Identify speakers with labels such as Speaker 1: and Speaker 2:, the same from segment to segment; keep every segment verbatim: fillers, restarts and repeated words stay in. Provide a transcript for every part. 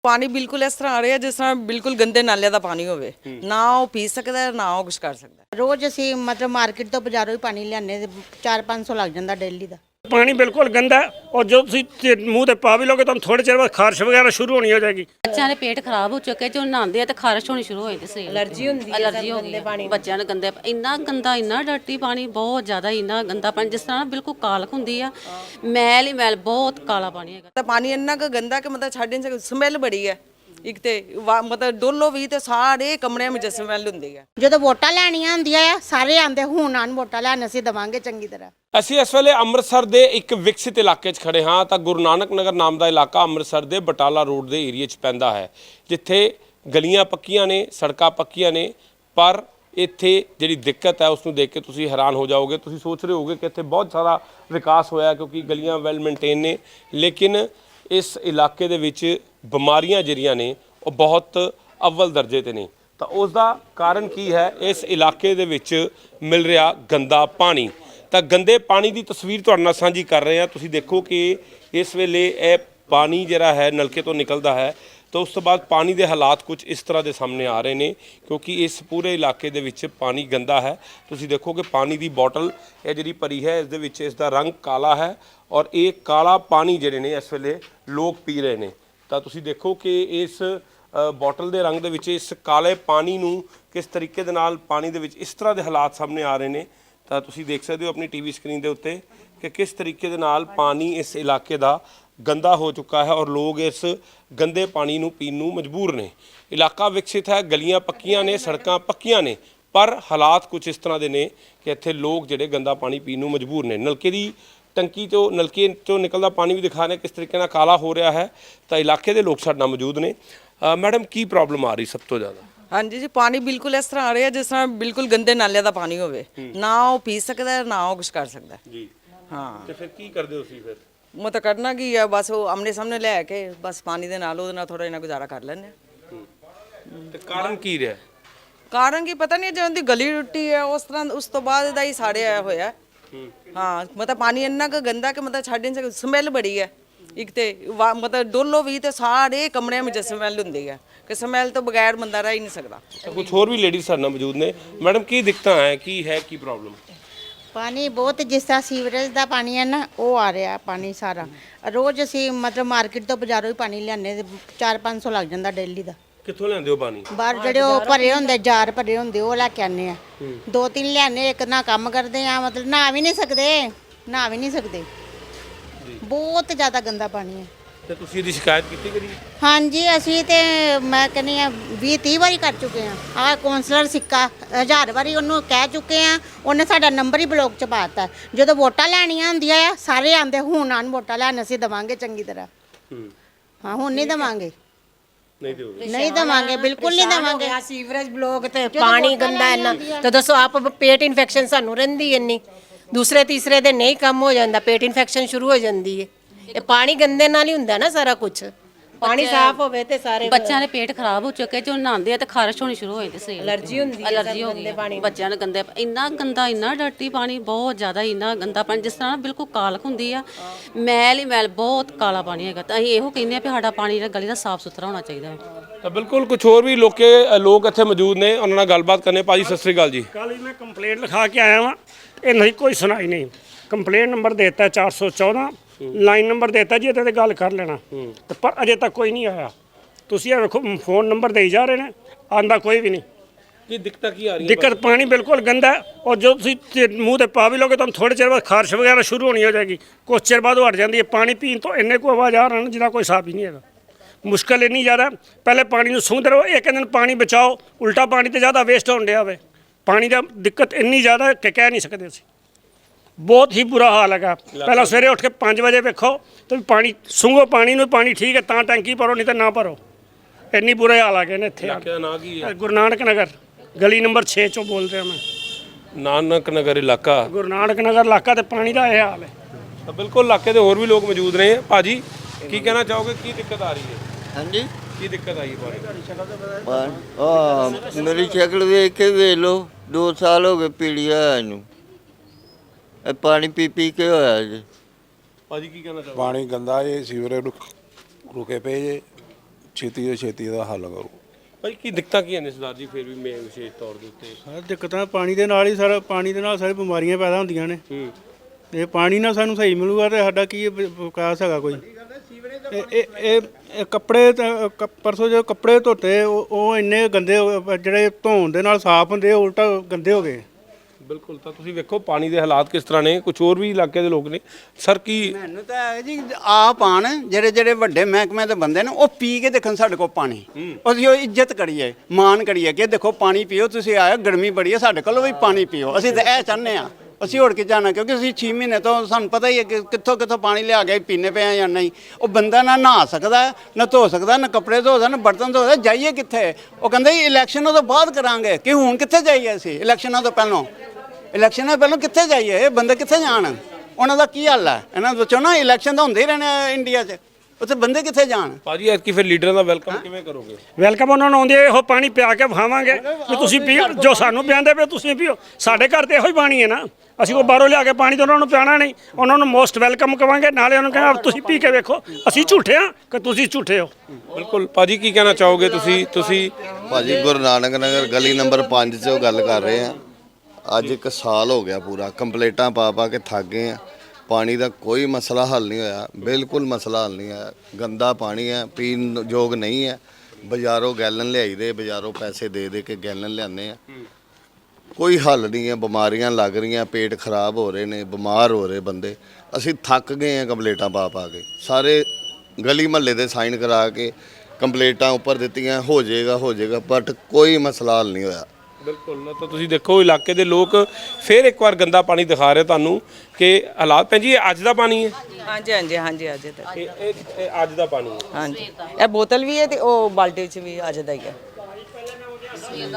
Speaker 1: ਪਾਣੀ ਬਿਲਕੁਲ ਇਸ ਤਰ੍ਹਾਂ ਆ ਰਿਹਾ ਜਿਸ ਤਰ੍ਹਾਂ ਬਿਲਕੁਲ ਗੰਦੇ ਨਾਲਿਆਂ ਦਾ ਪਾਣੀ ਹੋਵੇ। ਨਾ ਉਹ ਪੀ ਸਕਦਾ ਹੈ, ਨਾ ਉਹ ਕੁਝ ਕਰ ਸਕਦਾ ਹੈ।
Speaker 2: ਰੋਜ਼ ਅਸੀਂ ਮਤਲਬ ਮਾਰਕੀਟ ਤੋਂ ਬਾਜ਼ਾਰੋਂ ਹੀ ਪਾਣੀ ਲਿਆਉਂਦੇ ਤੇ ਚਾਰ ਪੰਜ ਸੌ ਲੱਗ ਜਾਂਦਾ ਡੇਲੀ ਦਾ।
Speaker 3: पानी बिल्कुल गंदा है और जो तुसी मुंह ते पा भी लोगे तो थोड़े चेर बाद खारिश वगैरह शुरू होनी हो जाएगी।
Speaker 4: ਬੱਚਿਆਂ ਦੇ ਪੇਟ ਖਰਾਬ ਹੋ ਚੁੱਕੇ ਜੋ ਨਹਾਉਂਦੇ ਆ ਤੇ ਖਾਰਿਸ਼ ਹੋਣੀ ਸ਼ੁਰੂ ਹੋ ਜਾਂਦੀ ਸੀ। ਅਲਰਜੀ ਹੁੰਦੀ ਹੈ, ਅਲਰਜੀ ਹੋ ਗਈ ਪਾਣੀ ਬੱਚਿਆਂ ਨੂੰ ਗੰਦੇ ਇੰਨਾ ਗੰਦਾ ਇੰਨਾ ਡਰਟੀ ਪਾਣੀ ਬਹੁਤ ਜ਼ਿਆਦਾ ਇੰਨਾ ਗੰਦਾ ਪਾਣੀ ਜਿਸ ਤਰ੍ਹਾਂ ਬਿਲਕੁਲ ਕਾਲਖ ਹੁੰਦੀ ਆ ਮੈਲ ਹੀ ਮੈਲ ਬਹੁਤ ਕਾਲਾ ਪਾਣੀ ਹੈਗਾ।
Speaker 1: ਤਾਂ ਪਾਣੀ ਇੰਨਾ ਕੁ ਗੰਦਾ ਕਿ ਮਤਲਬ ਛੱਡ ਨਹੀਂ ਸਕਦਾ। ਸਮੈਲ ਬੜੀ ਹੈ ਇੱਕ ਤੇ ਵਾ- ਮਤਲਬ ਡੋਲੋ ਵੀ ਤੇ ਸਾਰੇ ਕਮਰਿਆਂ ਵਿੱਚ ਸਮੈਲ ਹੁੰਦੀ ਹੈ।
Speaker 2: ਜਦੋਂ ਵੋਟਾਂ ਲੈਣੀਆਂ ਹੁੰਦੀਆਂ ਆ ਸਾਰੇ ਆਂਦੇ ਹੁਣ ਆਣ ਵੋਟਾਂ ਲੈਣ ਅਸੀਂ ਦੇਵਾਂਗੇ ਚੰਗੀ ਤਰ੍ਹਾਂ।
Speaker 5: ਅਸੀਂ ਇਸ ਵੇਲੇ ਅੰਮ੍ਰਿਤਸਰ ਦੇ ਇੱਕ ਵਿਕਸਿਤ ਇਲਾਕੇ 'ਚ ਖੜੇ ਹਾਂ ਤਾਂ ਗੁਰੂ ਨਾਨਕ ਨਗਰ ਨਾਮ ਦਾ ਇਲਾਕਾ ਅੰਮ੍ਰਿਤਸਰ ਦੇ ਬਟਾਲਾ ਰੋਡ ਦੇ ਏਰੀਏ 'ਚ ਪੈਂਦਾ ਹੈ, ਜਿੱਥੇ ਗਲੀਆਂ ਪੱਕੀਆਂ ਨੇ, ਸੜਕਾਂ ਪੱਕੀਆਂ ਨੇ, ਪਰ ਇੱਥੇ ਜਿਹੜੀ ਦਿੱਕਤ ਹੈ ਉਸ ਨੂੰ ਦੇਖ ਕੇ ਤੁਸੀਂ ਹੈਰਾਨ ਹੋ ਜਾਓਗੇ। ਤੁਸੀਂ ਸੋਚ ਰਹੇ ਹੋਗੇ ਕਿ ਇੱਥੇ ਬਹੁਤ ਸਾਰਾ ਵਿਕਾਸ ਹੋਇਆ ਕਿਉਂਕਿ ਗਲੀਆਂ ਵੈਲ ਮੇਨਟੇਨ ਨੇ, ਲੇਕਿਨ ਇਸ ਇਲਾਕੇ ਦੇ ਵਿੱਚ ਬਿਮਾਰੀਆਂ ਜਿਹੜੀਆਂ ਨੇ ਉਹ ਬਹੁਤ ਅਵਲ ਦਰਜੇ ਤੇ ਨੇ। ਤਾਂ ਉਸ ਦਾ ਕਾਰਨ ਕੀ ਹੈ? ਇਸ ਇਲਾਕੇ ਦੇ ਵਿੱਚ ਮਿਲ ਰਿਹਾ ਗੰਦਾ ਪਾਣੀ। ਤਾਂ ਗੰਦੇ ਪਾਣੀ ਦੀ ਤਸਵੀਰ ਤੁਹਾਡੇ ਨਾਲ ਸਾਂਝੀ ਕਰ ਰਹੇ ਹਾਂ। ਤੁਸੀਂ ਦੇਖੋ ਕਿ ਇਸ ਵੇਲੇ ਇਹ ਪਾਣੀ ਜਿਹੜਾ ਹੈ ਨਲਕੇ ਤੋਂ ਨਿਕਲਦਾ ਹੈ ਤਾਂ ਉਸ ਤੋਂ ਬਾਅਦ ਪਾਣੀ ਦੇ ਹਾਲਾਤ ਕੁਝ ਇਸ ਤਰ੍ਹਾਂ ਦੇ ਸਾਹਮਣੇ ਆ ਰਹੇ ਨੇ ਕਿਉਂਕਿ ਇਸ ਪੂਰੇ ਇਲਾਕੇ ਦੇ ਵਿੱਚ ਪਾਣੀ ਗੰਦਾ ਹੈ। ਤੁਸੀਂ ਦੇਖੋ ਕਿ ਪਾਣੀ ਦੀ ਬੋਟਲ ਇਹ ਜਿਹੜੀ ਭਰੀ ਹੈ ਇਸ ਦੇ ਵਿੱਚ ਇਸ ਦਾ ਰੰਗ ਕਾਲਾ ਹੈ ਔਰ ਇਹ ਕਾਲਾ ਪਾਣੀ ਜਿਹੜੇ ਨੇ ਇਸ ਵੇਲੇ ਲੋਕ ਪੀ ਰਹੇ ਨੇ। ਤਾਂ ਤੁਸੀਂ ਦੇਖੋ ਕਿ ਇਸ ਬੋਟਲ ਦੇ ਰੰਗ ਦੇ ਵਿੱਚ ਇਸ ਕਾਲੇ ਪਾਣੀ ਨੂੰ ਕਿਸ ਤਰੀਕੇ ਦੇ ਨਾਲ ਪਾਣੀ ਦੇ ਵਿੱਚ ਇਸ ਤਰ੍ਹਾਂ ਦੇ ਹਾਲਾਤ ਸਾਹਮਣੇ ਆ ਰਹੇ ਨੇ। ਤਾਂ ਤੁਸੀਂ ਦੇਖ ਸਕਦੇ ਹੋ ਆਪਣੀ ਟੀਵੀ ਸਕਰੀਨ ਦੇ ਉੱਤੇ ਕਿ ਕਿਸ ਤਰੀਕੇ ਦੇ ਨਾਲ ਪਾਣੀ ਇਸ ਇਲਾਕੇ ਦਾ ਗੰਦਾ ਹੋ ਚੁੱਕਾ ਹੈ ਔਰ ਲੋਕ ਇਸ ਗੰਦੇ ਪਾਣੀ ਨੂੰ ਪੀਣ ਨੂੰ ਮਜਬੂਰ ਨੇ। ਇਲਾਕਾ ਵਿਕਸਿਤ ਹੈ, ਗਲੀਆਂ ਪੱਕੀਆਂ ਨੇ, ਸੜਕਾਂ ਪੱਕੀਆਂ ਨੇ, ਪਰ ਹਾਲਾਤ ਕੁਝ ਇਸ ਤਰ੍ਹਾਂ ਦੇ ਨੇ ਕਿ ਇੱਥੇ ਲੋਕ ਜਿਹੜੇ ਗੰਦਾ ਪਾਣੀ ਪੀਣ ਨੂੰ ਮਜਬੂਰ ਨੇ। ਨਲਕੇ ਦੀ ਟੰਕੀ ਤੋਂ ਨਲਕੇ ਤੋਂ ਨਿਕਲਦਾ ਪਾਣੀ ਵੀ ਦਿਖਾ ਰਹੇ ਕਿਸ ਤਰੀਕੇ ਨਾਲ ਕਾਲਾ ਹੋ ਰਿਹਾ ਹੈ। ਤਾਂ ਇਲਾਕੇ ਦੇ ਲੋਕ ਸਾਡੇ ਨਾਲ ਮੌਜੂਦ ਨੇ। ਮੈਡਮ ਕੀ ਪ੍ਰੋਬਲਮ ਆ ਰਹੀ ਸਭ ਤੋਂ ਜ਼ਿਆਦਾ?
Speaker 1: ਹਾਂਜੀ ਜੀ, ਪਾਣੀ ਬਿਲਕੁਲ ਇਸ ਤਰ੍ਹਾਂ ਆ ਰਿਹਾ ਜਿਸ ਤਰ੍ਹਾਂ ਬਿਲਕੁਲ ਗੰਦੇ ਨਾਲਿਆਂ ਦਾ ਪਾਣੀ ਹੋਵੇ। ਨਾ ਉਹ ਪੀ ਸਕਦਾ ਹੈ, ਨਾ ਉਹ ਕੁਝ ਕਰ ਸਕਦਾ ਹੈ।
Speaker 5: ਜੀ
Speaker 1: ਹਾਂ,
Speaker 5: ਤੇ ਫਿਰ ਕੀ ਕਰਦੇ ਹੋ ਤੁਸੀਂ? ਫਿਰ
Speaker 1: ਮੈਂ ਤਾਂ ਕਰਨਾ ਕੀ ਆ, ਬਸ ਉਹ ਆਮਣੇ ਸਾਹਮਣੇ ਲੈ ਕੇ ਬਸ ਪਾਣੀ ਦੇ ਨਾਲ ਉਹਦੇ ਨਾਲ ਥੋੜਾ ਜਿਹਾ ਗੁਜ਼ਾਰਾ ਕਰ ਲੈਂਦੇ ਹਾਂ।
Speaker 5: ਤੇ ਕਾਰਨ ਕੀ ਰਿਹਾ?
Speaker 1: ਕਾਰਨ ਕੀ ਪਤਾ ਨਹੀਂ, ਜਦੋਂ ਦੀ ਗਲੀ ਟੁੱਟੀ ਹੈ ਉਸ ਤਰ੍ਹਾਂ ਉਸ ਤੋਂ ਬਾਅਦ ਇਹਦਾ ਹੀ ਸਾਰੇ ਆਇਆ ਹੋਇਆ। ਹਾਂ, ਮਤਲਬ ਪਾਣੀ ਇੰਨਾ ਕੁ ਗੰਦਾ ਕਿ ਮਤਲਬ ਛੱਡ ਨਹੀਂ ਸਕਦਾ। ਸਮੈਲ ਬੜੀ ਹੈ ਇੱਕ ਤੇ ਵਾ- ਮਤਲਬ ਡੋਲੋ ਵੀ ਤੇ ਸਾਰੇ ਕਮਰਿਆਂ ਵਿੱਚ ਸਮੈਲ ਹੁੰਦੀ ਹੈ ਕਿ ਸਮੈਲ ਤੋਂ ਬਗੈਰ ਬੰਦਾ ਰਹਿ ਹੀ ਨਹੀਂ ਸਕਦਾ।
Speaker 5: ਕੁਝ ਹੋਰ ਵੀ ਲੇਡੀਜ਼ ਸਾਡੇ ਨਾਲ ਮੌਜੂਦ ਨੇ। ਮੈਡਮ ਕੀ ਦਿੱਕਤਾਂ ਹੈ, ਕੀ ਹੈ, ਕੀ ਪ੍ਰੋਬਲਮ?
Speaker 2: ਪਾਣੀ ਬਹੁਤ ਜਿਸ ਤਰ੍ਹਾਂ ਸੀਵਰੇਜ ਦਾ ਪਾਣੀ ਹੈ ਨਾ ਉਹ ਆ ਰਿਹਾ ਪਾਣੀ ਸਾਰਾ। ਰੋਜ਼ ਅਸੀਂ ਮਤਲਬ ਮਾਰਕੀਟ ਤੋਂ ਬਾਜ਼ਾਰੋਂ ਹੀ ਪਾਣੀ ਲਿਆਉਂਦੇ ਤੇ ਚਾਰ ਪੰਜ ਸੌ ਲੱਗ ਜਾਂਦਾ ਡੇਲੀ ਦਾ।
Speaker 5: ਕਿੱਥੋਂ ਲੈਂਦੇ ਹੋ ਪਾਣੀ?
Speaker 2: ਬਾਹਰ ਜਿਹੜੇ ਉਹ ਭਰੇ ਹੁੰਦੇ ਜਾਰ ਭਰੇ ਹੁੰਦੇ ਉਹ ਲੈ ਕੇ ਆਉਂਦੇ ਆ। ਦੋ ਤਿੰਨ ਲਿਆਉਂਦੇ, ਇੱਕ ਨਾ ਕੰਮ ਕਰਦੇ ਆ, ਮਤਲਬ ਨਹਾ ਵੀ ਨਹੀਂ ਸਕਦੇ, ਨਹਾ ਵੀ ਨਹੀਂ ਸਕਦੇ। ਬਹੁਤ ਜ਼ਿਆਦਾ ਗੰਦਾ ਪਾਣੀ ਹੈ।
Speaker 5: ਤੇ ਤੁਸੀਂ ਇਹਦੀ ਸ਼ਿਕਾਇਤ ਕੀਤੀ ਕਰੀ?
Speaker 2: ਹਾਂਜੀ, ਅਸੀਂ ਤੇ ਮੈਂ ਕਹਿੰਦੀ ਆ ਵੀਹ ਤੀਹ ਵਾਰੀ ਕਰ ਚੁੱਕੇ ਆ। ਆਹ ਕੌਂਸਲਰ ਸਿੱਕਾ ਹਜ਼ਾਰ ਵਾਰੀ ਉਹਨੂੰ ਕਹਿ ਚੁੱਕੇ ਆ, ਉਹਨੇ ਸਾਡਾ ਨੰਬਰ ਹੀ ਬਲੌਕ 'ਚ ਪਾਤਾ। ਜਦੋਂ ਵੋਟਾਂ ਲੈਣੀਆਂ ਹੁੰਦੀਆਂ ਆ ਸਾਰੇ ਆਂਦੇ ਹੁਣ ਆਣ ਵੋਟਾਂ ਲੈਣ ਅਸੀਂ ਦੇਵਾਂਗੇ ਚੰਗੀ ਤਰ੍ਹਾਂ। ਹਾਂ, ਹੁਣ ਨਹੀਂ ਦੇਵਾਂਗੇ,
Speaker 5: ਨਹੀਂ ਦਿਓਗੇ?
Speaker 2: ਨਹੀਂ ਦੇਵਾਂਗੇ, ਬਿਲਕੁਲ ਨਹੀਂ ਦੇਵਾਂਗੇ।
Speaker 6: ਸੀਵਰੇਜ ਬਲੋਕ ਤੇ ਪਾਣੀ ਗੰਦਾ ਇੰਨਾ ਤਾਂ ਦੱਸੋ ਆਪ ਪੇਟ ਇਨਫੈਕਸ਼ਨ ਸਾਨੂੰ ਰਹਿੰਦੀ ਇੰਨੀ। ਦੂਸਰੇ ਤੀਸਰੇ ਦਿਨ ਨਹੀਂ ਕੰਮ ਹੋ ਜਾਂਦਾ, ਪੇਟ ਇਨਫੈਕਸ਼ਨ ਸ਼ੁਰੂ ਹੋ ਜਾਂਦੀ ਹੈ। ਇਹ ਪਾਣੀ ਗੰਦੇ ਨਾਲ ਹੀ ਹੁੰਦਾ ਨਾ ਸਾਰਾ ਕੁਝ। ਪਾਣੀ ਸਾਫ਼ ਹੋਵੇ ਤੇ ਸਾਰੇ
Speaker 4: ਬੱਚਿਆਂ ਦੇ ਪੇਟ ਖਰਾਬ ਹੋ ਚੁੱਕੇ ਜੋ ਨਹਾਉਂਦੇ ਆ ਤੇ ਖਾਰਿਸ਼ ਹੋਣੀ ਸ਼ੁਰੂ ਹੋ ਜਾਂਦੀ ਸੀ।
Speaker 6: ਅਲਰਜੀ ਹੁੰਦੀ ਹੈ,
Speaker 4: ਅਲਰਜੀ ਹੋ ਗਈ ਬੱਚਿਆਂ ਨੂੰ ਗੰਦੇ ਇੰਨਾ ਗੰਦਾ ਇੰਨਾ ਡਰਟੀ ਪਾਣੀ ਬਹੁਤ ਜ਼ਿਆਦਾ ਇੰਨਾ ਗੰਦਾ ਪਾਣੀ ਜਿਸ ਤਰ੍ਹਾਂ ਬਿਲਕੁਲ ਕਾਲਖ ਹੁੰਦੀ ਆ ਮੈਲ ਹੀ ਮੈਲ ਬਹੁਤ ਕਾਲਾ ਪਾਣੀ ਹੈਗਾ। ਤਾਂ ਅਸੀਂ ਇਹੋ ਕਹਿੰਦੇ ਆ ਵੀ ਸਾਡਾ ਪਾਣੀ ਜਿਹੜਾ ਗਲੀ ਦਾ ਸਾਫ਼ ਸੁਥਰਾ ਹੋਣਾ ਚਾਹੀਦਾ ਹੈ।
Speaker 5: ਤਾਂ ਬਿਲਕੁਲ ਕੁਝ ਹੋਰ ਵੀ ਲੋਕੇ ਲੋਕ ਇੱਥੇ ਮੌਜੂਦ ਨੇ, ਉਹਨਾਂ ਨਾਲ ਗੱਲਬਾਤ ਕਰਨੇ। ਭਾਜੀ ਸਤਿ ਸ੍ਰੀ ਅਕਾਲ ਜੀ।
Speaker 3: ਕੱਲ ਹੀ ਮੈਂ ਕੰਪਲੇਂਟ ਲਿਖਾ ਕੇ ਆਇਆ ਵਾਂ, ਇਹ ਨਹੀਂ ਕੋਈ ਸੁਣਾਈ ਨਹੀਂ। ਕੰਪਲੇਂਟ ਨੰਬਰ ਦੇਤਾ ਚਾਰ ਸੌ ਚੌਦਾਂ, ਲਾਈਨ ਨੰਬਰ ਦੇਤਾ ਜੀ, ਇਹਦੇ ਤੇ ਗੱਲ ਕਰ ਲੈਣਾ ਤੇ ਪਰ ਅਜੇ ਤੱਕ ਕੋਈ ਨਹੀਂ ਆਇਆ। ਤੁਸੀਂ ਇਹ ਵੇਖੋ ਫੋਨ ਨੰਬਰ ਦੇਈ ਜਾ ਰਹੇ ਨੇ, ਆਂਦਾ ਕੋਈ ਵੀ ਨਹੀਂ।
Speaker 5: ਕੀ ਦਿੱਕਤਾਂ ਕੀ ਆ ਰਹੀਆਂ?
Speaker 3: ਦਿੱਕਤ ਪਾਣੀ ਬਿਲਕੁਲ ਗੰਦਾ ਹੈ ਔਰ ਜੋ ਤੁਸੀਂ ਮੂੰਹ ਤੇ ਪਾ ਵੀ ਲੋਗੇ ਤਾਂ ਥੋੜੇ ਚਿਰ ਬਾਅਦ ਖਾਰਿਸ਼ ਵਗੈरह ਸ਼ੁਰੂ ਹੋਣੀ ਹੋ ਜਾਏਗੀ। ਕੁਛ ਚਿਰ ਬਾਅਦ ਉਹ ਹਟ ਜਾਂਦੀ ਹੈ। ਪਾਣੀ ਪੀਣ ਤੋਂ ਇੰਨੇ ਕੋ ਆਵਾਜ਼ ਆ ਰਹੇ ਨੇ ਜਿਹਦਾ ਕੋਈ ਹਿਸਾਬ ਹੀ ਨਹੀਂ ਹੈਗਾ। ਮੁਸ਼ਕਿਲ ਇੰਨੀ ਜ਼ਿਆਦਾ, ਪਹਿਲੇ ਪਾਣੀ ਨੂੰ ਸੁੰਘਦੇ ਰਹੋ, ਇੱਕ ਦਿਨ ਪਾਣੀ ਬਚਾਓ, ਉਲਟਾ ਪਾਣੀ ਤੇ ਜ਼ਿਆਦਾ ਵੇਸਟ ਹੋਣ ਡਿਆ ਵੇ। ਪਾਣੀ ਦਾ ਦਿੱਕਤ ਇੰਨੀ ਜ਼ਿਆਦਾ ਕਿ ਕਹਿ ਨਹੀਂ ਸਕਦੇ ਅਸੀਂ। ਬਹੁਤ ਹੀ ਬੁਰਾ ਹਾਲ ਹੈਗਾ। ਪਹਿਲਾਂ ਸਵੇਰੇ ਉੱਠ ਕੇ ਪੰਜ ਵਜੇ ਵੇਖੋ ਤੇ ਪਾਣੀ ਸੁੰਘੋ, ਪਾਣੀ ਨੂੰ ਪਾਣੀ ਠੀਕ ਹੈ ਤਾਂ ਟੈਂਕੀ ਭਰੋ, ਨਹੀਂ ਤਾਂ ਨਾ ਭਰੋ। ਇੰਨੀ ਬੁਰੇ ਹਾਲ ਆ ਗਏ ਨੇ ਇੱਥੇ।
Speaker 5: ਇਲਾਕੇ ਦਾ ਨਾਂ ਕੀ ਹੈ?
Speaker 3: ਗੁਰੂ ਨਾਨਕ ਨਗਰ ਗਲੀ ਨੰਬਰ ਛੇ ਚੋਂ ਬੋਲ ਰਿਹਾ ਮੈਂ।
Speaker 5: ਨਾਨਕ ਨਗਰ ਇਲਾਕਾ,
Speaker 3: ਗੁਰੂ ਨਾਨਕ ਨਗਰ ਇਲਾਕਾ ਤੇ ਪਾਣੀ ਦਾ ਇਹ ਹਾਲ ਹੈ।
Speaker 5: ਤਾਂ ਬਿਲਕੁਲ ਇਲਾਕੇ ਦੇ ਹੋਰ ਵੀ ਲੋਕ ਮੌਜੂਦ ਨੇ। ਭਾਜੀ ਕੀ ਕਹਿਣਾ ਚਾਹੋਗੇ, ਕੀ ਦਿੱਕਤ ਆ ਰਹੀ ਹੈ?
Speaker 7: ਹਾਂਜੀ,
Speaker 5: ਕੀ ਦਿੱਕਤ ਆਈ ਹੈ?
Speaker 7: ਆ ਮੇਰੀ ਸ਼ਕਲ ਵੇਖ ਕੇ ਵੇਖ ਲਓ, ਦੋ ਸਾਲ ਹੋ ਗਏ ਪੀੜੀਆ ਇਹਨੂੰ। ਇਹ ਪਾਣੀ ਪੀ ਪੀ ਕੇ ਹੋਇਆ ਜੀ।
Speaker 5: ਭਾਜੀ ਕੀ ਕਹਿਣਾ ਚਾਹੋਗੇ?
Speaker 8: ਪਾਣੀ ਗੰਦਾ ਜੇ, ਸੀਵਰੇਜ ਰੁਕੇ ਪਏ ਜੇ, ਛੇਤੀ ਤੋਂ ਛੇਤੀ ਇਹਦਾ ਹੱਲ ਕਰੋ।
Speaker 5: ਭਾਈ ਕੀ ਦਿੱਕਤਾਂ ਕੀ ਨੇ ਸਰਦਾਰ ਜੀ ਫਿਰ ਵੀ ਮੈਂ ਵਿਸ਼ੇਸ਼ ਤੌਰ ਦੇ ਉੱਤੇ?
Speaker 9: ਸਾਰ ਦਿੱਕਤਾਂ ਪਾਣੀ ਦੇ ਨਾਲ ਹੀ ਸਾਰਾ ਪਾਣੀ ਦੇ ਨਾਲ ਸਾਰੀ ਬਿਮਾਰੀਆਂ ਪੈਦਾ ਹੁੰਦੀਆਂ ਨੇ।
Speaker 5: ਹੂੰ
Speaker 9: ਇਹ ਪਾਣੀ ਨਾਲ ਸਾਨੂੰ ਸਹੀ ਮਿਲੂਗਾ ਤੇ ਸਾਡਾ ਕੀ ਵਿ- ਵਿਕਾਸ ਹੈਗਾ ਕੋਈ। ਇਹ ਇਹ- ਇਹ ਇਹ ਕੱਪੜੇ ਤਾਂ ਕ- ਪਰਸੋਂ ਜੋ ਕੱਪੜੇ ਧੋਤੇ ਉਹ ਉਹ ਇੰਨੇ ਗੰਦੇ ਹੋ ਗਏ, ਜਿਹੜੇ ਧੋਣ ਦੇ ਨਾਲ ਸਾਫ਼ ਹੁੰਦੇ ਉਹ ਉਲਟਾ ਗੰਦੇ ਹੋ ਗਏ।
Speaker 5: ਬਿਲਕੁਲ। ਤਾਂ ਤੁਸੀਂ ਵੇਖੋ ਪਾਣੀ ਦੇ ਹਾਲਾਤ ਕਿਸ ਤਰ੍ਹਾਂ ਨੇ। ਕੁਝ ਹੋਰ ਵੀ ਇਲਾਕੇ ਦੇ ਲੋਕ ਨੇ। ਸਰ ਕੀ
Speaker 10: ਮੈਨੂੰ ਤਾਂ ਹੈ ਜੀ ਆਪ ਆਣ ਜਿਹੜੇ ਜਿਹੜੇ ਵੱਡੇ ਮਹਿਕਮੇ ਦੇ ਬੰਦੇ ਨੇ ਉਹ ਪੀ ਕੇ ਦੇਖਣ ਸਾਡੇ ਕੋਲ ਪਾਣੀ, ਅਸੀਂ ਉਹ ਇੱਜ਼ਤ ਕਰੀਏ, ਮਾਣ ਕਰੀਏ ਕਿ ਦੇਖੋ ਪਾਣੀ ਪੀਓ, ਤੁਸੀਂ ਆਏ ਗਰਮੀ ਬੜੀ ਹੈ ਸਾਡੇ ਕੋਲ ਵੀ ਪਾਣੀ ਪੀਓ। ਅਸੀਂ ਤਾਂ ਇਹ ਚਾਹੁੰਦੇ ਆ, ਅਸੀਂ ਹੋਰ ਕੀ ਜਾਣਾ, ਕਿਉਂਕਿ ਅਸੀਂ ਛੇ ਮਹੀਨੇ ਤੋਂ ਸਾਨੂੰ ਪਤਾ ਹੀ ਹੈ ਕਿ ਕਿੱਥੋਂ ਕਿੱਥੋਂ ਪਾਣੀ ਲਿਆ ਕੇ ਪੀਣੇ ਪਏ ਆ ਜਾਂ ਨਹੀਂ। ਉਹ ਬੰਦਾ ਨਾ ਨਹਾ ਸਕਦਾ, ਨਾ ਧੋ ਸਕਦਾ, ਨਾ ਕੱਪੜੇ ਧੋ ਸਕਦਾ, ਨਾ ਬਰਤਨ ਧੋ ਸਕਦਾ। ਜਾਈਏ ਕਿੱਥੇ? ਉਹ ਕਹਿੰਦੇ ਇਲੈਕਸ਼ਨਾਂ ਤੋਂ ਬਾਅਦ ਕਰਾਂਗੇ। ਕਿ ਹੁਣ ਕਿੱਥੇ ਜਾਈਏ ਅਸੀਂ? ਇਲੈਕਸ਼ਨਾਂ ਤੋਂ ਪਹਿਲਾਂ ਇਲੈਕਸ਼ਨਾਂ ਪਹਿਲਾਂ ਕਿੱਥੇ ਜਾਈਏ? ਇਹ ਬੰਦੇ ਕਿੱਥੇ ਜਾਣ? ਉਹਨਾਂ ਦਾ ਕੀ ਹਾਲ ਹੈ? ਇਹਨਾਂ ਨੂੰ ਪੁੱਛੋ ਨਾ, ਇਲੈਕਸ਼ਨ ਤਾਂ ਹੁੰਦੇ ਹੀ ਰਹਿਣੇ ਆ ਇੰਡੀਆ 'ਚ, ਉੱਥੇ ਬੰਦੇ ਕਿੱਥੇ ਜਾਣ?
Speaker 5: ਭਾਜੀ ਐਤਕੀ ਫਿਰ ਲੀਡਰਾਂ ਦਾ ਵੈਲਕਮ ਕਿਵੇਂ ਕਰੋਗੇ?
Speaker 3: ਵੈਲਕਮ ਉਹਨਾਂ ਨੂੰ ਆਉਂਦੇ ਇਹੋ ਪਾਣੀ ਪਿਆ ਕੇ ਵਿਖਾਵਾਂਗੇ ਵੀ ਤੁਸੀਂ ਪੀਓ, ਜੋ ਸਾਨੂੰ ਪਿਆਉਂਦੇ ਪਏ ਤੁਸੀਂ ਪੀਓ। ਸਾਡੇ ਘਰ ਤੇ ਇਹੋ ਹੀ ਪਾਣੀ ਹੈ ਨਾ, ਅਸੀਂ ਕੋਈ ਬਾਹਰੋਂ ਲਿਆ ਕੇ ਪਾਣੀ ਤਾਂ ਉਹਨਾਂ ਨੂੰ ਪਿਆਣਾ ਨਹੀਂ। ਉਹਨਾਂ ਨੂੰ ਮੋਸਟ ਵੈਲਕਮ ਕਵਾਂਗੇ, ਨਾਲੇ ਉਹਨਾਂ ਨੂੰ ਕਹਿੰਦਾ ਤੁਸੀਂ ਪੀ ਕੇ ਵੇਖੋ ਅਸੀਂ ਝੂਠੇ ਹਾਂ ਕਿ ਤੁਸੀਂ ਝੂਠੇ ਹੋ।
Speaker 5: ਬਿਲਕੁਲ। ਭਾਜੀ ਕੀ ਕਹਿਣਾ ਚਾਹੋਗੇ ਤੁਸੀਂ? ਤੁਸੀਂ
Speaker 7: ਭਾਜੀ ਗੁਰੂ ਨਾਨਕ ਨਗਰ ਗਲੀ ਨੰਬਰ ਪੰਜ 'ਚੋਂ ਗੱਲ ਕਰ ਰਹੇ ਆ। ਅੱਜ ਇੱਕ ਸਾਲ ਹੋ ਗਿਆ ਪੂਰਾ, ਕੰਪਲੇਂਟਾਂ ਪਾ ਪਾ ਕੇ ਥੱਕ ਗਏ ਆ। ਪਾਣੀ ਦਾ ਕੋਈ ਮਸਲਾ ਹੱਲ ਨਹੀਂ ਹੋਇਆ, ਬਿਲਕੁਲ ਮਸਲਾ ਹੱਲ ਨਹੀਂ ਹੋਇਆ। ਗੰਦਾ ਪਾਣੀ ਹੈ, ਪੀਣ ਯੋਗ ਨਹੀਂ ਹੈ। ਬਾਜ਼ਾਰੋਂ ਗੈਲਨ ਲਿਆਈ ਦੇ, ਬਾਜ਼ਾਰੋਂ ਪੈਸੇ ਦੇ ਦੇ ਕੇ ਗੈਲਨ ਲਿਆਉਂਦੇ ਆ। ਕੋਈ ਹੱਲ ਨਹੀਂ ਹੈ। ਬਿਮਾਰੀਆਂ ਲੱਗ ਰਹੀਆਂ, ਪੇਟ ਖਰਾਬ ਹੋ ਰਹੇ ਨੇ, ਬਿਮਾਰ ਹੋ ਰਹੇ ਬੰਦੇ। ਅਸੀਂ ਥੱਕ ਗਏ ਆ ਕੰਪਲੇਂਟਾਂ ਪਾ ਪਾ ਕੇ। ਸਾਰੇ ਗਲੀ ਮਹੱਲੇ ਦੇ ਸਾਈਨ ਕਰਾ ਕੇ ਕੰਪਲੇਂਟਾਂ ਉੱਪਰ ਦਿੱਤੀਆਂ, ਹੋ ਜਾਏਗਾ ਹੋ ਜਾਏਗਾ, ਬਟ ਕੋਈ ਮਸਲਾ ਹੱਲ ਨਹੀਂ ਹੋਇਆ।
Speaker 5: ਬਿਲਕੁਲ ਨਾ। ਤਾਂ ਤੁਸੀਂ ਦੇਖੋ ਇਲਾਕੇ ਦੇ ਲੋਕ ਫਿਰ ਇੱਕ ਵਾਰ ਗੰਦਾ ਪਾਣੀ ਦਿਖਾ ਰਹੇ ਤੁਹਾਨੂੰ ਕਿ ਹਾਲਾਤ। ਭੈਣ ਜੀ ਇਹ ਅੱਜ ਦਾ ਪਾਣੀ ਹੈ?
Speaker 1: ਹਾਂਜੀ ਹਾਂਜੀ ਹਾਂਜੀ ਅੱਜ ਦਾ।
Speaker 5: ਇਹ ਇਹ ਇਹ ਅੱਜ ਦਾ ਪਾਣੀ ਹੈ?
Speaker 1: ਹਾਂਜੀ ਇਹ ਬੋਤਲ ਵੀ ਹੈ ਤੇ ਉਹ ਬਾਲਟੀ 'ਚ ਵੀ ਅੱਜ ਦਾ ਹੀ ਹੈ।
Speaker 5: ਇਹ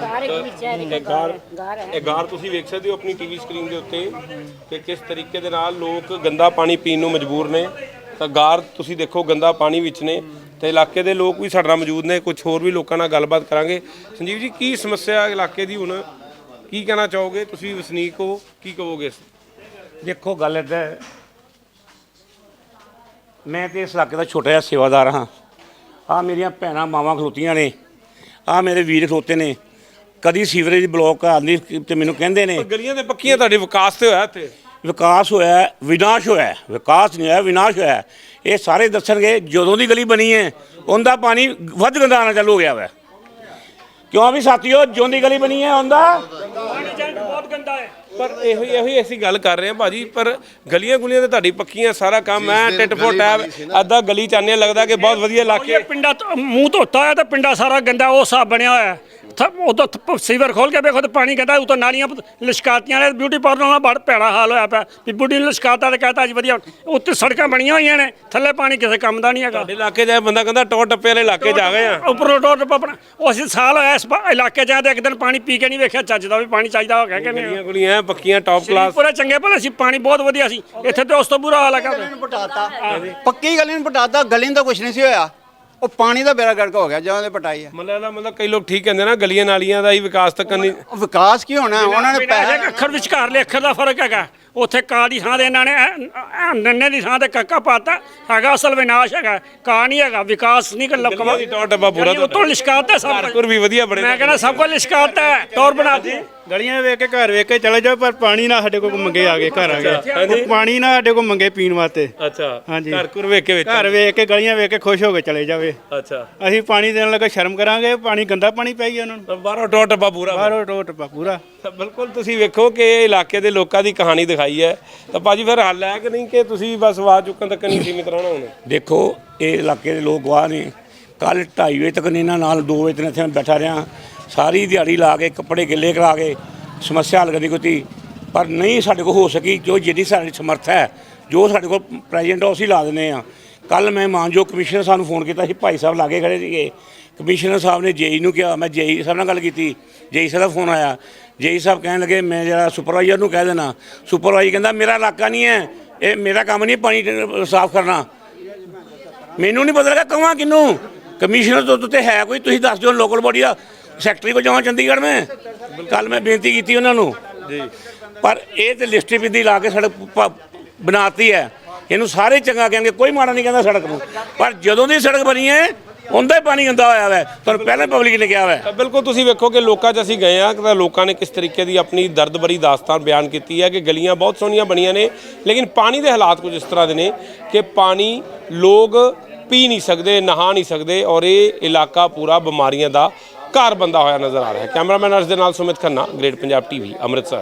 Speaker 5: ਗਾਰ ਇਹ ਗਾਰ ਤੁਸੀਂ ਵੇਖ ਸਕਦੇ ਹੋ ਆਪਣੀ ਟੀਵੀ ਸਕਰੀਨ ਦੇ ਉੱਤੇ ਕਿ ਕਿਸ ਤਰੀਕੇ ਦੇ ਨਾਲ ਲੋਕ ਗੰਦਾ ਪਾਣੀ ਪੀਣ ਨੂੰ ਮਜਬੂਰ ਨੇ। ਤਾਂ ਗਾਰ ਤੁਸੀਂ ਦੇਖੋ ਗੰਦਾ ਪਾਣੀ ਵਿੱਚ ਨੇ। ਤੇ ਇਲਾਕੇ ਦੇ ਲੋਕ ਵੀ ਸਾਡੇ ਨਾਲ ਮੌਜੂਦ ਨੇ, ਕੁਝ ਹੋਰ ਵੀ ਲੋਕਾਂ ਨਾਲ ਗੱਲਬਾਤ ਕਰਾਂਗੇ। ਸੰਜੀਵ ਜੀ ਕੀ ਸਮੱਸਿਆ ਇਲਾਕੇ ਦੀ ਹੁਣ, ਕੀ ਕਹਿਣਾ ਚਾਹੋਗੇ? ਤੁਸੀਂ ਵਸਨੀਕ ਹੋ, ਕੀ ਕਹੋਗੇ?
Speaker 3: ਦੇਖੋ ਗੱਲ ਇੱਦਾਂ ਹੈ, ਮੈਂ ਤੇ ਇਸ ਇਲਾਕੇ ਦਾ ਛੋਟਾ ਜਿਹਾ ਸੇਵਾਦਾਰ ਹਾਂ। ਆ ਮੇਰੀਆਂ ਭੈਣਾਂ ਮਾਵਾਂ ਖਲੋਤੀਆਂ ਨੇ, ਆ ਮੇਰੇ ਵੀਰ ਖਲੋਤੇ ਨੇ। ਕਦੀ ਸੀਵਰੇਜ ਬਲੋਕ ਆਉਂਦੀ ਤੇ ਮੈਨੂੰ ਕਹਿੰਦੇ ਨੇ
Speaker 5: ਗਲੀਆਂ ਦੇ ਪੱਕੀਆਂ ਤੁਹਾਡੇ ਵਿਕਾਸ ਤੇ ਹੋਇਆ ਇੱਥੇ?
Speaker 3: ਵਿਕਾਸ ਹੋਇਆ, ਵਿਨਾਸ਼ ਹੋਇਆ। ਵਿਕਾਸ ਨਹੀਂ ਹੋਇਆ, ਵਿਨਾਸ਼ ਹੋਇਆ। ਇਹ ਸਾਰੇ ਦੱਸਣਗੇ ਜਦੋਂ ਦੀ ਗਲੀ ਬਣੀ ਹੈ ਉਹਦਾ ਪਾਣੀ ਵੱਧ ਗੰਦਾ ਆਉਣਾ ਚਾਲੂ ਹੋ ਗਿਆ ਵਾ। ਕਿਉਂ ਵੀ ਸਾਥੀਓ, ਜਿਉਂ ਦੀ ਗਲੀ ਬਣੀ ਹੈ ਉਹਦਾ ਪਾਣੀ ਬਹੁਤ ਗੰਦਾ ਹੈ।
Speaker 5: ਪਰ ਇਹੋ ਹੀ ਇਹੋ ਹੀ ਅਸੀਂ ਗੱਲ ਕਰ ਰਹੇ ਹਾਂ ਭਾਜੀ। ਪਰ ਗਲੀਆਂ ਗੁਲੀਆਂ ਤੇ ਤੁਹਾਡੀ ਪੱਕੀਆਂ, ਸਾਰਾ ਕੰਮ ਹੈ ਟਿੱਟ ਫੋਟ ਹੈ। ਅੱਧਾ ਗਲੀ ਚਾਹਨੇ ਲੱਗਦਾ ਕਿ ਬਹੁਤ ਵਧੀਆ ਇਲਾਕੇ।
Speaker 3: ਪਿੰਡਾਂ ਤੋਂ ਮੂੰਹ ਧੋਤਾ ਹੋਇਆ ਤਾਂ ਪਿੰਡਾ ਸਾਰਾ ਗੰਦਾ ਉਹ ਹਿਸਾਬ ਬਣਿਆ ਹੋਇਆ। ਉਦੋਂ ਸੀਵਰ ਖੋਲ ਕੇ ਵੇਖੋ ਤੇ ਪਾਣੀ ਕਹਿੰਦਾ ਉਤੋਂ ਨਾਲੀਆਂ ਲਿਸ਼ਕਾਤੀਆਂ ਨੇ। ਬਿਊਟੀ ਪਾਰਲਰ ਨਾਲ ਬੜਾ ਭੈੜਾ ਹਾਲ ਹੋਇਆ ਪਿਆ ਵੀ ਬੁੱਢੀ ਨੂੰ ਲਿਸ਼ਕਾਤਾ ਤੇ ਕਹਤਾ ਜੀ ਵਧੀਆ। ਉੱਤੇ ਸੜਕਾਂ ਬਣੀਆਂ ਹੋਈਆਂ ਨੇ, ਥੱਲੇ ਪਾਣੀ ਕਿਸੇ ਕੰਮ ਦਾ ਨਹੀਂ ਹੈਗਾ।
Speaker 5: ਸਾਡੇ ਇਲਾਕੇ ਜਾਏ ਬੰਦਾ ਕਹਿੰਦਾ ਟੋ ਟੱਪੇ ਵਾਲੇ ਇਲਾਕੇ ਜਾ ਗਏ ਆ।
Speaker 3: ਉੱਪਰੋਂ ਟੋਰ ਟੱਪਾ ਆਪਣਾ ਉਹ ਅਸੀਂ ਸਾਲ ਹੋਇਆ ਇਸ ਇਲਾਕੇ ਜਾ ਤੇ ਇੱਕ ਦਿਨ ਪਾਣੀ ਪੀ ਕੇ ਨਹੀਂ ਵੇਖਿਆ ਚੱਜ ਦਾ ਵੀ ਪਾਣੀ ਚਾਹੀਦਾ ਹੋ ਗਿਆ ਕਿ ਨਹੀਂ।
Speaker 5: ਗਲੀਆਂ ਗੁਲੀਆਂ ਪੱਕੀਆਂ ਟੌਪ ਕਲਾਸ
Speaker 3: ਪੂਰੇ ਚੰਗੇ ਭਲੇ ਸੀ, ਪਾਣੀ ਬਹੁਤ ਵਧੀਆ ਸੀ। ਇੱਥੇ ਤੇ ਉਸ ਤੋਂ ਬੁਰਾ ਹਾਲ ਹੈਗਾ।
Speaker 10: ਪਟਾਤਾ ਪੱਕੀ ਗਲੀ ਨੂੰ ਪਟਾਤਾ, ਗਲੀ ਨੂੰ ਤਾਂ ਕੁਝ ਨਹੀਂ ਸੀ ਹੋਇਆ। ਉਹ ਪਾਣੀ ਦਾ ਬੇੜਾ ਗਰਕ ਹੋ ਗਿਆ ਜਦੋਂ ਦੇ ਪਟਾਈ ਹੈ।
Speaker 5: ਮਤਲਬ ਮਤਲਬ ਕਈ ਲੋਕ ਠੀਕ ਕਹਿੰਦੇ ਨਾ ਗਲੀਆਂ ਨਾਲੀਆਂ ਦਾ ਹੀ ਵਿਕਾਸ ਤੱਕ ਨਹੀਂ।
Speaker 10: ਉਹ ਵਿਕਾਸ ਕੀ ਹੋਣਾ? ਉਹਨਾਂ ਨੇ ਪੈਸੇ
Speaker 3: ਅੱਖਰ ਵਿਚਕਾਰਲੇ ਅੱਖਰ ਦਾ ਫਰਕ ਹੈਗਾ। ਉੱਥੇ ਕਾ ਦੀ ਥਾਂ ਦੇ ਇਹਨਾਂ ਨੇ ਨੰਨੇ ਦੀ ਥਾਂ ਤੇ ਕੱਕਾ ਪਾਤਾ ਹੈਗਾ। ਅਸਲ ਵਿਨਾਸ਼ ਹੈਗਾ, ਕਾ ਨਹੀਂ ਹੈਗਾ, ਵਿਕਾਸ ਨਹੀਂ ਕਰ
Speaker 5: ਗਲੀਆਂ ਦੀ ਟੌਰ ਟੱਪਾ ਪੂਰਾ
Speaker 3: ਉਤੋਂ ਲਿਸ਼ਕਾਤਾ ਸਭ ਕੁਝ।
Speaker 5: ਘਰ ਵੀ ਵਧੀਆ ਬਣੇ।
Speaker 3: ਮੈਂ ਕਹਿੰਦਾ ਸਭ ਕੁਝ ਲਿਸ਼ਕਾਤਾ ਟੌਰ ਬਣਾਤੀ।
Speaker 9: ਗਲੀਆਂ ਵੇਖ ਕੇ ਘਰ ਵੇਖ ਕੇ ਚਲੇ ਜਾਓ, ਪਰ ਪਾਣੀ ਨਾ ਸਾਡੇ ਕੋਲ ਮੰਗੇ ਆ ਗਏ ਘਰ ਆ ਗਏ। ਪਾਣੀ ਨਾ ਸਾਡੇ ਕੋਲ ਮੰਗੇ ਪੀਣ ਵਾਸਤੇ।
Speaker 5: ਅੱਛਾ
Speaker 9: ਹਾਂਜੀ।
Speaker 5: ਘਰ ਘਰ ਵੇਖ ਕੇ ਵਿੱਚ
Speaker 9: ਘਰ ਵੇਖ ਕੇ ਗਲੀਆਂ ਵੇਖ ਕੇ ਖੁਸ਼ ਹੋ ਕੇ ਚਲੇ ਜਾਵੇ।
Speaker 5: ਅੱਛਾ
Speaker 9: ਅਸੀਂ ਪਾਣੀ ਦੇਣ ਲੱਗੇ ਸ਼ਰਮ ਕਰਾਂਗੇ? ਪਾਣੀ ਗੰਦਾ ਪਾਣੀ ਪੈ ਗਿਆ ਉਹਨਾਂ ਨੂੰ,
Speaker 5: ਤਾਂ ਬਾਹਰੋਂ ਟੌਰ ਟੱਪਾ ਪੂਰਾ।
Speaker 9: ਬਾਹਰੋਂ ਟੋਟ ਪਾ ਪੂਰਾ।
Speaker 5: ਤਾਂ ਬਿਲਕੁਲ ਤੁਸੀਂ ਵੇਖੋ ਕਿ ਇਹ ਇਲਾਕੇ ਦੇ ਲੋਕਾਂ ਦੀ ਕਹਾਣੀ ਦਿਖਾਈ ਹੈ। ਤਾਂ ਭਾਜੀ ਫਿਰ ਹੱਲ ਹੈ ਕਿ ਨਹੀਂ ਕਿ ਤੁਸੀਂ ਬਸ ਆਵਾਜ਼ ਚੁੱਕਣ ਤੱਕ ਨਹੀਂ ਸੀਮਿਤ ਰਹਿਣਾ ਹੁਣ?
Speaker 3: ਦੇਖੋ ਇਹ ਇਲਾਕੇ ਦੇ ਲੋਕ ਗਵਾਹ ਨੇ। ਕੱਲ ਢਾਈ ਵਜੇ ਤੱਕ ਇਹਨਾਂ ਨਾਲ ਦੋ ਵਜੇ ਤੱਕ ਇੱਥੇ ਮੈਂ ਬੈਠਾ ਰਿਹਾ, ਸਾਰੀ ਦਿਹਾੜੀ ਲਾ ਕੇ ਕੱਪੜੇ ਗਿੱਲੇ ਕਰਾ ਕੇ ਸਮੱਸਿਆ ਹੱਲ ਕਰਨੀ ਕੋਈ। ਪਰ ਨਹੀਂ ਸਾਡੇ ਕੋਲ ਹੋ ਸਕੀ। ਜੋ ਜਿੱਡੀ ਸਾਡੀ ਸਮਰੱਥ ਹੈ, ਜੋ ਸਾਡੇ ਕੋਲ ਪ੍ਰੈਜ਼ੈਂਟ ਅਸੀਂ ਲਾ ਦਿੰਦੇ ਹਾਂ। ਕੱਲ ਮੈਂ ਮਾਨਯੋਗ ਕਮਿਸ਼ਨਰ ਸਾਨੂੰ ਫੋਨ ਕੀਤਾ ਸੀ, ਭਾਈ ਸਾਹਿਬ ਲਾਗੇ ਖੜੇ ਸੀਗੇ। ਕਮਿਸ਼ਨਰ ਸਾਹਿਬ ਨੇ ਜੇਈ ਨੂੰ ਕਿਹਾ, ਮੈਂ ਜੇਈ ਸਾਹਿਬ ਨਾਲ ਗੱਲ ਕੀਤੀ, ਜੇਈ ਸਾਹਿਬ ਦਾ ਫੋਨ ਆਇਆ। ਜੇਈ ਸਾਹਿਬ ਕਹਿਣ ਲੱਗੇ ਮੈਂ ਜਿਹੜਾ ਸੁਪਰਵਾਈਜ਼ਰ ਨੂੰ ਕਹਿ ਦੇਣਾ। ਸੁਪਰਵਾਈਜ਼ਰ ਕਹਿੰਦਾ ਮੇਰਾ ਇਲਾਕਾ ਨਹੀਂ ਹੈ, ਇਹ ਮੇਰਾ ਕੰਮ ਨਹੀਂ ਪਾਣੀ ਸਾਫ਼ ਕਰਨਾ। ਮੈਨੂੰ ਨਹੀਂ ਪਤਾ ਲੱਗਾ ਕਹਾਂ ਕਿਹਨੂੰ। ਕਮਿਸ਼ਨਰ ਤੋਂ ਉੱਤੇ ਹੈ ਕੋਈ, ਤੁਸੀਂ ਦੱਸ ਦਿਓ ਲੋਕਲ ਬੋਡੀ ਦਾ। ਸੈਕਟਰੀ ਕੋਲ ਜਾਵਾਂ ਚੰਡੀਗੜ੍ਹ ਮੈਂ? ਕੱਲ ਮੈਂ ਬੇਨਤੀ ਕੀਤੀ ਉਹਨਾਂ ਨੂੰ ਜੀ, ਪਰ ਇਹ ਤੇ ਲਿਸਟ ਬਿੰਦੀ ਲਾ ਕੇ ਸੜਕ ਬਣਾਤੀ ਹੈ। ਇਹਨੂੰ ਸਾਰੇ ਚੰਗਾ ਕਹਿਣਗੇ, ਕੋਈ ਮਾੜਾ ਨਹੀਂ ਕਹਿੰਦਾ ਸੜਕ ਨੂੰ। ਪਰ ਜਦੋਂ ਦੀ ਸੜਕ ਬਣੀ ਹੈ ਉਹਦਾ ਹੀ ਪਾਣੀ ਗੰਦਾ ਹੋਇਆ ਵਾ, ਤੁਹਾਨੂੰ ਪਹਿਲਾਂ ਪਬਲਿਕ ਨੇ ਕਿਹਾ ਵਾ।
Speaker 5: ਤਾਂ ਬਿਲਕੁਲ ਤੁਸੀਂ ਵੇਖੋ ਕਿ ਲੋਕਾਂ 'ਚ ਅਸੀਂ ਗਏ ਆ ਤਾਂ ਲੋਕਾਂ ਨੇ ਕਿਸ ਤਰੀਕੇ ਦੀ ਆਪਣੀ ਦਰਦ ਭਰੀ ਦਾਸਤਾਨ ਬਿਆਨ ਕੀਤੀ ਹੈ ਕਿ ਗਲੀਆਂ ਬਹੁਤ ਸੋਹਣੀਆਂ ਬਣੀਆਂ ਨੇ ਲੇਕਿਨ ਪਾਣੀ ਦੇ ਹਾਲਾਤ ਕੁਝ ਇਸ ਤਰ੍ਹਾਂ ਦੇ ਨੇ ਕਿ ਪਾਣੀ ਲੋਕ ਪੀ ਨਹੀਂ ਸਕਦੇ, ਨਹਾ ਨਹੀਂ ਸਕਦੇ ਔਰ ਇਹ ਇਲਾਕਾ ਪੂਰਾ ਬਿਮਾਰੀਆਂ ਦਾ ਘਰ ਬੰਦਾ ਹੋਇਆ ਨਜ਼ਰ ਆ ਰਿਹਾ ਹੈ। ਕੈਮਰਾਮੈਨ ਅਰਸ਼ ਦੇ ਨਾਲ ਸੁਮਿਤ ਖੰਨਾ, ਗ੍ਰੇਟ ਪੰਜਾਬ ਟੀਵੀ, ਅੰਮ੍ਰਿਤਸਰ।